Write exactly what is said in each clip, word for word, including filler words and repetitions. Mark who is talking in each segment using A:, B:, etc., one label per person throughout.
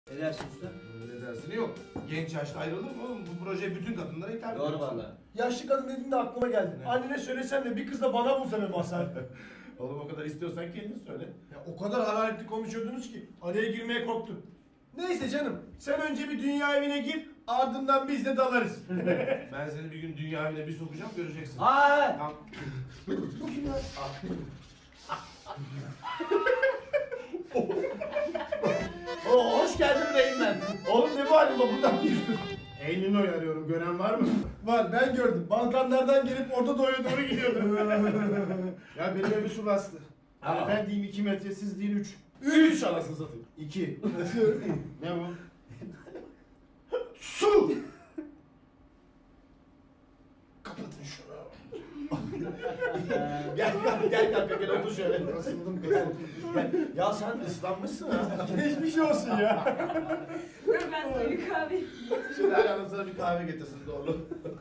A: Ne dersin usta?
B: Ne dersin yok. Genç yaşta ayrılır mı oğlum? Bu proje bütün kadınlara hitap ediyor.
A: Doğru valla.
C: Yaşlı kadın dediğinde aklıma geldi.
B: Ne?
C: Annene söylesen de bir kız da bana bulsa be Mazhar.
B: Oğlum o kadar istiyorsan kendin söyle.
C: Ya o kadar hararetli konuşuyordunuz ki araya girmeye korktum. Neyse canım, sen önce bir dünya evine gir, ardından biz de dalarız.
B: Ben seni bir gün dünya evine bir sokacağım göreceksin.
A: Aa!
B: Tamam.
C: Bu kim ya?
A: Oo, hoş geldin Reynmen.
C: Oğlum ne bu halin, buradan mı girdin?
D: Eylül'ü arıyorum. Gören var mı?
C: Var, ben gördüm. Balkanlardan gelip Orta Doğu'ya doğru gidiyordu.
D: Ya benim evi su bastı. Yani
A: Aa.
D: ben diyeyim iki metre, siz deyin üç.
C: Üç anasını satayım.
D: İki. Ne bu?
C: Su! Kapatın şunu.
A: Gel gel gel kanka gel otur şöyle.
D: Kasıldım kasıldım.
A: Gel. Ya sen ıslanmışsın ha.
C: Geçmiş olsun ya.
E: Dur ben sana bir kahve.
B: Şimdi her hanım sana bir kahve getirsin doğru.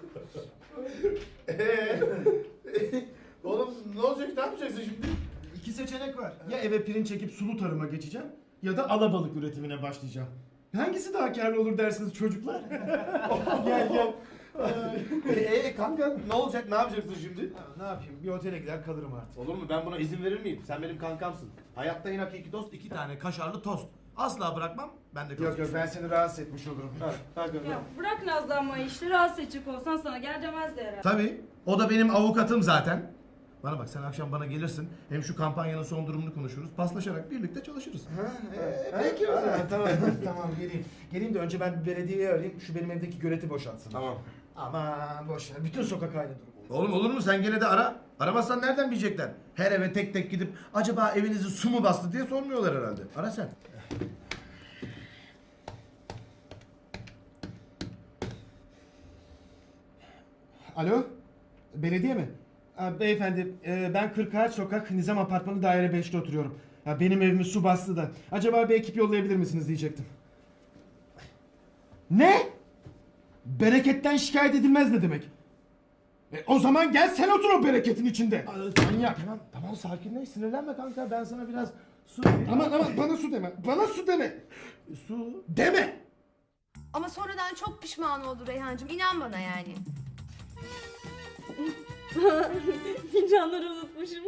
B: Eee? Oğlum ne olacak? Ne yapacaksın şimdi?
D: İki seçenek var. Ya eve pirinç çekip sulu tarıma geçeceğim ya da alabalık üretimine başlayacağım. Hangisi daha karlı olur dersiniz çocuklar?
C: Gel gel.
B: Eee kanka ne olacak? Ne yapacaksın şimdi?
D: Ya ne yapayım? Bir otele gider kalırım artık.
B: Olur mu? Ben buna izin verir miyim? Sen benim kankamsın. Hayatta en hakiki dost iki tane kaşarlı tost. Asla bırakmam. Ben de
D: Yok yok ben seni rahatsız etmiş olurum.
E: Ya bırak nazlanmayı işte, rahatsız edecek olsan sana gel demezdi herhalde.
B: Tabii. O da benim avukatım zaten. Bana bak sen akşam bana gelirsin. Hem şu kampanyanın son durumunu konuşuruz. Paslaşarak birlikte çalışırız.
D: Peki o zaman tamam tamam geleyim. Geleyim de önce ben bir belediyeyi arayayım. Şu benim evdeki göleti boşaltsın.
B: Tamam.
D: Aman boş ver. Bütün sokak aynı durum.
B: Oğlum olur mu? Sen gene de ara. Aramazsan nereden bilecekler? Her eve tek tek gidip acaba evinizi su mu bastı diye sormuyorlar herhalde. Ara sen.
D: Alo? Belediye mi? Ha, beyefendi e, ben kırk Ağaç Sokak Nizam Apartmanı daire beşte oturuyorum. Ya, benim evimi su bastı da. Acaba bir ekip yollayabilir misiniz diyecektim. Ne? Bereketten şikayet edilmez ne demek? E, o zaman gel sen otur o bereketin içinde. Manyak.
B: Tamam tamam sakinleş sinirlenme kanka. Ben sana biraz su...
D: Aman aman bana su deme. Bana su deme.
B: Su...
D: Deme.
F: Ama sonradan çok pişman oldu Reyhancığım. İnan bana yani.
E: Fincanları unutmuşum.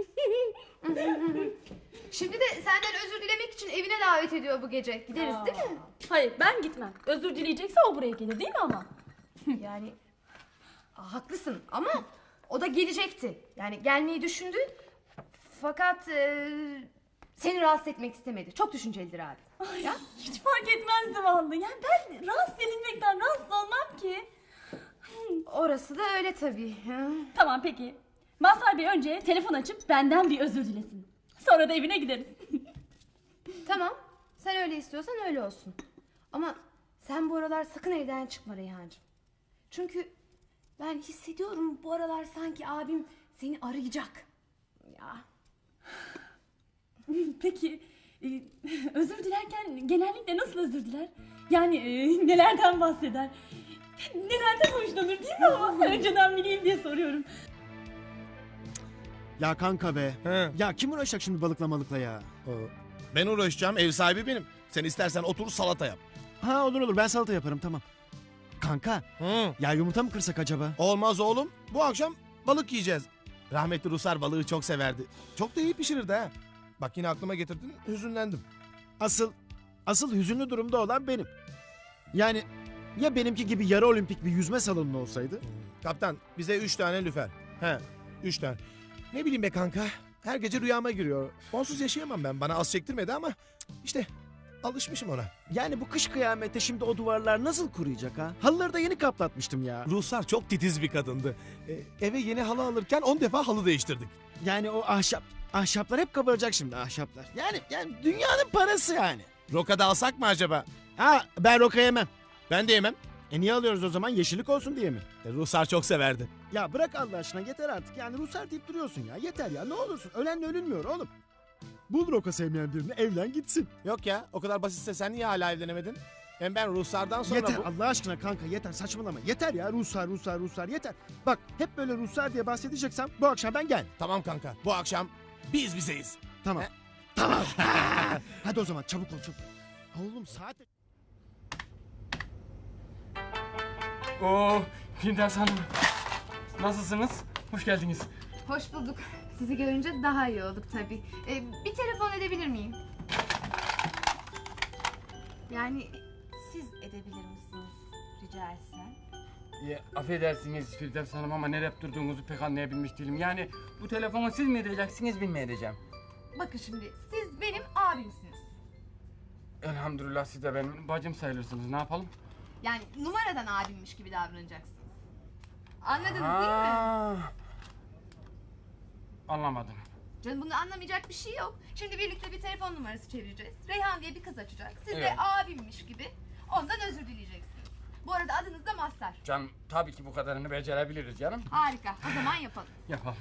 F: Şimdi de senden özür dilemek için evine davet ediyor bu gece. Gideriz değil mi?
E: Hayır ben gitmem. Özür dileyecekse o buraya gelir değil mi ama?
F: Yani Aa, haklısın ama o da gelecekti. Yani gelmeyi düşündü. Fakat e, seni rahatsız etmek istemedi. Çok düşüncelidir abi.
E: Ay, ya? Hiç fark etmezdi vallahi. Yani ben rahatsız edilmekten rahatsız olmam ki.
F: Orası da öyle tabii. Ha?
E: Tamam peki. Mazhar Bey önce telefon açıp benden bir özür dilesin. Sonra da evine gideriz.
F: Tamam. Sen öyle istiyorsan öyle olsun. Ama sen bu aralar sakın evden çıkma Reyhancığım. Çünkü ben hissediyorum bu aralar sanki abim seni arayacak. Ya.
E: Peki e, özür dilerken genellikle nasıl özür diler? Yani e, nelerden bahseder? Nelerden hoşlanır değil mi ama? Önceden bileyim diye soruyorum.
D: Ya kanka be.
B: He.
D: Ya kim uğraşacak şimdi balıkla malıkla ya?
B: Ben uğraşacağım. Ev sahibi benim. Sen istersen otur salata yap.
D: Ha olur olur ben salata yaparım tamam. Kanka
B: Hı.
D: ya yumurta mı kırsak acaba?
B: Olmaz oğlum. Bu akşam balık yiyeceğiz. Rahmetli Rusar balığı çok severdi. Çok da iyi pişirirdi ha. Bak yine aklıma getirdin. Hüzünlendim.
D: Asıl asıl hüzünlü durumda olan benim. Yani ya benimki gibi yarı olimpik bir yüzme salonu olsaydı?
B: Kaptan bize üç tane lüfer. He üç tane. Ne bileyim be kanka. Her gece rüyama giriyor. Onsuz yaşayamam ben. Bana az çektirmedi ama işte alışmışım ona.
D: Yani bu kış kıyamette şimdi o duvarlar nasıl kuruyacak ha? Halıları da yeni kaplatmıştım ya.
B: Ruslar çok titiz bir kadındı. Ee, eve yeni halı alırken on defa halı değiştirdik.
D: Yani o ahşap ahşaplar hep kabaracak şimdi ahşaplar. Yani yani dünyanın parası yani.
B: Rokada alsak mı acaba?
D: Ha ben roka yemem.
B: Ben de yemem.
D: E niye alıyoruz o zaman? Yeşillik olsun diye mi?
B: E, Ruslar çok severdi.
D: Ya bırak Allah aşkına yeter artık. Yani Ruslar deyip duruyorsun ya. Yeter ya ne olursun. Ölenle ölünmüyor oğlum. Bul roka sevmeyen birini evlen gitsin.
B: Yok ya o kadar basitse sen niye hala evlenemedin? Hem ben Ruslardan sonra
D: Yeter
B: bu...
D: Allah aşkına kanka yeter saçmalama. Yeter ya Ruslar Ruslar Ruslar yeter. Bak hep böyle Ruslar diye bahsedeceksem bu akşam ben gel.
B: Tamam kanka bu akşam biz bizeyiz.
D: Tamam.
B: He?
D: Tamam. Hadi o zaman çabuk ol çabuk. Oğlum saat...
G: Oo, Firdevs Hanım. Nasılsınız? Hoş geldiniz.
F: Hoş bulduk. Sizi görünce daha iyi olduk tabii. Ee, bir telefon edebilir miyim? Yani siz edebilir misiniz rica etsem?
G: Ya, affedersiniz Firdevs Hanım ama nereye durduğunuzu pek anlayabilmiş değilim. Yani bu telefonu siz mi edeceksiniz, ben mi edeceğim?
F: Bakın şimdi siz benim abimsiniz.
G: Elhamdülillah siz de benim bacım sayılırsınız. Ne yapalım?
F: Yani numaradan abimmiş gibi davranacaksınız. Anladınız değil mi?
G: Aa, anlamadım.
F: Canım bunda anlamayacak bir şey yok. Şimdi birlikte bir telefon numarası çevireceğiz. Reyhan diye bir kız açacak. Siz de
G: Evet.
F: abimmiş gibi ondan özür dileyeceksiniz. Bu arada adınız da Mazhar.
G: Canım tabii ki bu kadarını becerebiliriz canım.
F: Harika. O zaman yapalım.
G: Yapalım.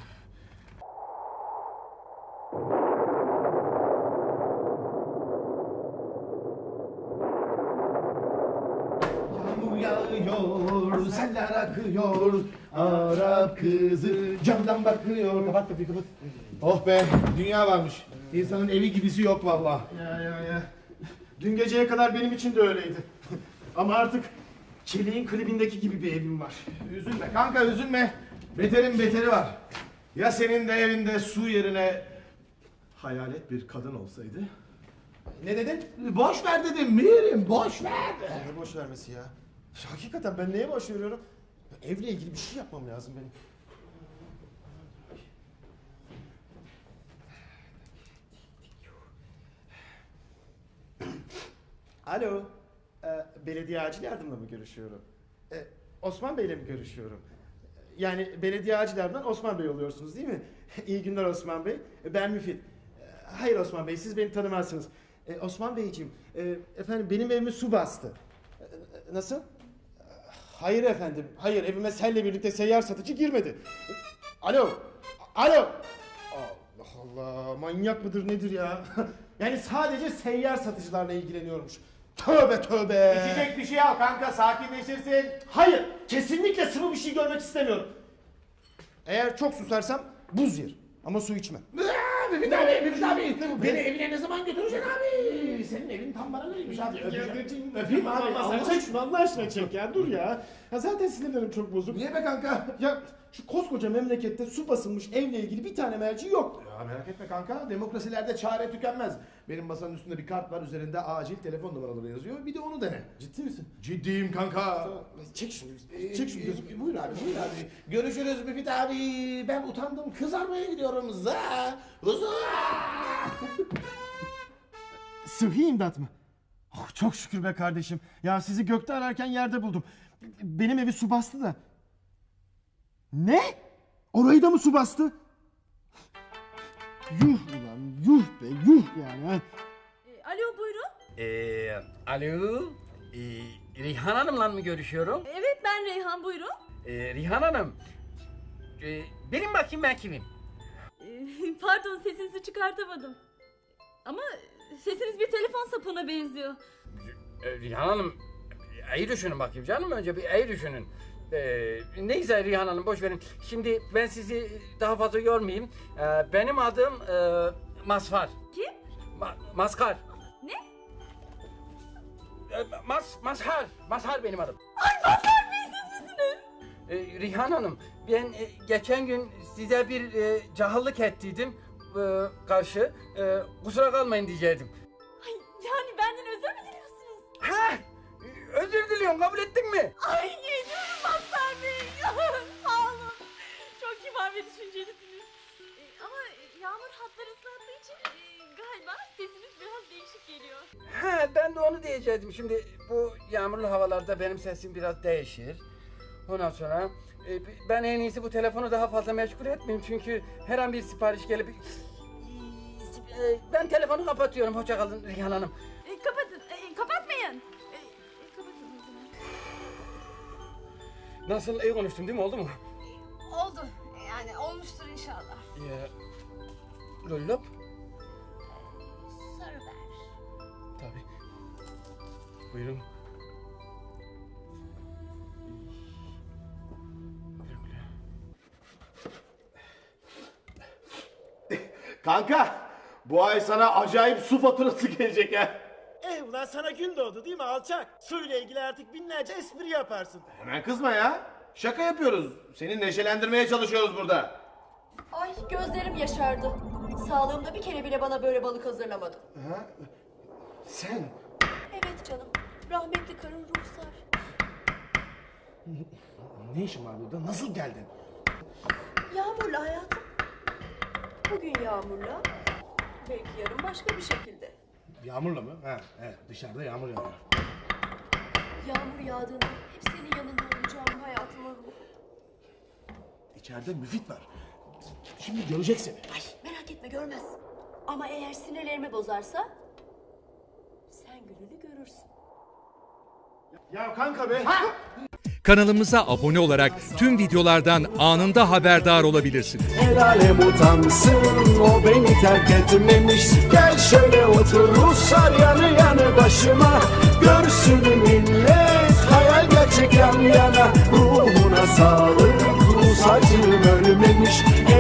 A: Yağmur yağıyor, seller akıyor. Arap kızı camdan bakıyor. Kapat kapıyı kapat. Oh be, dünya varmış. İnsanın evi gibisi yok vallahi.
D: Ya ya ya. Dün geceye kadar benim için de öyleydi. Ama artık Çelik'in klibindeki gibi bir evim var.
A: Üzülme kanka üzülme. Beterin beteri var. Ya senin de evinde su yerine hayalet bir kadın olsaydı?
D: Ne dedin?
A: Boş ver dedim Mirim, boş ver.
D: Ne boş vermesi ya? Hakikaten ben neye boş veriyorum? Evle ilgili bir şey yapmam lazım benim. Alo, e, belediye acil yardımla mı görüşüyorum? E, Osman Bey'le mi görüşüyorum? Yani belediye acil yardımdan Osman Bey oluyorsunuz değil mi? İyi günler Osman Bey. E, Ben Müfit. E, Hayır Osman Bey, siz beni tanımazsınız. E, Osman Beyciğim, e, efendim benim evimi su bastı. E, e, Nasıl? E, Hayır efendim, hayır evime selle birlikte seyyar satıcı girmedi. E, Alo, alo. Allah Allah, manyak mıdır nedir ya? Yani sadece seyyar satıcılarla ilgileniyormuş. Tövbe tövbe.
A: İçecek bir şey al kanka, sakinleşirsin.
D: Hayır, kesinlikle sıvı bir şey görmek istemiyorum. Eğer çok susarsam buz yer ama su içmem.
A: Aa, Müfit abi, Müfit abi. Beni evine ne zaman götüreceksin abi? Senin evin tam bana göreymiş abi. Öpeceğim. Öpeyim abi.
D: Allah,
A: Allah
D: çek şunu Allah aşkına çek ya, dur ya. Ya zaten sinirlerim çok bozuk.
A: Niye be kanka?
D: Ya şu koskoca memlekette su basılmış evle ilgili bir tane merci yok.
A: Ya merak etme kanka, demokrasilerde çare tükenmez. Benim masanın üstünde bir kart var, üzerinde acil telefon numaraları yazıyor. Bir de onu dene.
D: Ciddi misin?
A: Ciddiyim kanka.
D: Çek şunu,
A: Ee,
D: çek şunu
A: e,
D: gözüm.
A: Buyur abi, buyur abi. Görüşürüz Müfit abi. Ben utandım, kızarmaya gidiyorum. Za, za.
D: Sıhhi imdat mı? Oh, çok şükür be kardeşim. Ya sizi gökte ararken yerde buldum. Benim evi su bastı da. Ne? Orayı da mı su bastı? Yuh ulan yuh be yuh yani. Ha.
E: E, alo buyurun.
G: Ee, alo. Ee, Rihan Hanım'la mı görüşüyorum?
E: Evet ben Reyhan buyurun.
G: Ee, Rihan Hanım. Ee, benim bakayım ben kimim?
E: E, pardon sesinizi çıkartamadım. Ama sesiniz bir telefon sapına benziyor.
G: Ee, Rihan Hanım. İyi düşünün bakayım canım, önce bir iyi düşünün. Ee, neyse Rihan Hanım boş verin. Şimdi ben sizi daha fazla yormayayım. Ee, benim adım e, Mazhar.
E: Kim?
G: Ma- Mazhar.
E: Ne?
G: Ee, Mas Mazhar. Mazhar benim adım.
E: Ay Mazhar Bey siz misiniz?
G: Ee, Rihan Hanım, ben e, geçen gün size bir e, cahillik ettiydim e, karşı. E, kusura kalmayın diyecektim.
E: Ay yani benden özür mü diliyorsunuz?
G: Ha! Özür diliyorum, kabul ettin mi?
E: Ay geliyorum Mazhar Bey. Sağ olun. Çok kibar ve düşüncelisiniz. E, ama yağmur hatları ıslattığı için e, galiba sesiniz biraz değişik geliyor.
G: Ha, ben de onu diyecektim. Şimdi bu yağmurlu havalarda benim sesim biraz değişir. Ondan sonra e, ben en iyisi bu telefonu daha fazla meşgul etmeyeyim çünkü her an bir sipariş gelip e, ben telefonu kapatıyorum. Hoşça kalın Rihan Hanım.
E: E, kapatın. E, kapatmayın. E, e, kapatın o zaman.
G: Nasıl, iyi konuştum değil mi? Oldu mu?
F: Oldu. Yani olmuştur inşallah.
G: Ya, lollop?
F: Sarı ver.
G: Tabii. Buyurun. Güle güle.
A: Kanka, bu ay sana acayip su faturası gelecek ha.
D: Eh ulan sana gün doğdu değil mi alçak? Suyla ilgili artık binlerce espri yaparsın.
A: Hemen kızma ya. Şaka yapıyoruz. Seni neşelendirmeye çalışıyoruz burada.
H: Ay gözlerim yaşardı. Sağlığımda bir kere bile bana böyle balık hazırlamadı.
A: Ha? Sen?
H: Evet canım. Rahmetli karın Ruhsar.
A: Ne işin var burada? Nasıl geldin?
H: Yağmurla hayatım. Bugün yağmurla. Belki yarın başka bir şekilde.
A: Yağmurla mı? Ha, evet. Dışarıda yağmur yağıyor.
H: Yağmur yağdığında hep senin yanında olacağım hayatıma ruh.
A: İçeride müfit var. Şimdi görecek seni.
H: Ay merak etme görmez. Ama eğer sinirlerimi bozarsa sen gününü görürsün.
D: Ya kanka be.
I: Kanalımıza abone olarak tüm videolardan anında haberdar olabilirsiniz.
J: El alem utansın, o beni terk etmemiş. Gel şöyle otur Ruslar yanı yanı başıma. Görsün millet hayal gerçek yan yana. Ruhuna sağlık, Rus acım ölmemiş.